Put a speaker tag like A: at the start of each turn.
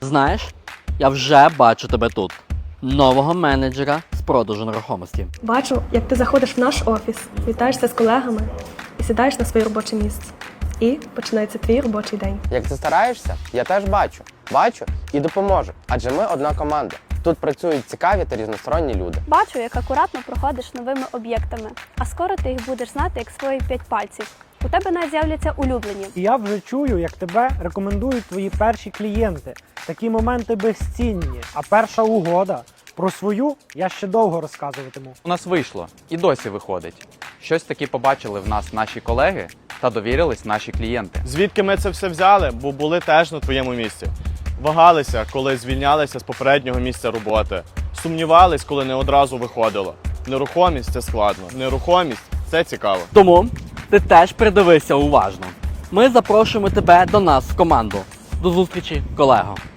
A: Знаєш, я вже бачу тебе тут. Нового менеджера з продажу нерухомості.
B: Бачу, як ти заходиш в наш офіс, вітаєшся з колегами і сідаєш на своє робоче місце. І починається твій робочий день.
C: Як ти стараєшся, я теж бачу. Бачу і допоможу. Адже ми одна команда. Тут працюють цікаві та різносторонні люди.
D: Бачу, як акуратно проходиш новими об'єктами, а скоро ти їх будеш знати як свої 5 пальців. У тебе навіть з'являться улюблені.
E: І я вже чую, як тебе рекомендують твої перші клієнти. Такі моменти безцінні. А перша угода про свою я ще довго розказуватиму.
F: У нас вийшло і досі виходить. Щось таки побачили в нас наші колеги та довірились наші клієнти.
G: Звідки ми це все взяли? Бо були теж на твоєму місці. Вагалися, коли звільнялися з попереднього місця роботи. Сумнівались, коли не одразу виходило. Нерухомість – це складно. Нерухомість – це цікаво.
A: Тому ти теж придивися уважно. Ми запрошуємо тебе до нас в команду. До зустрічі, колего!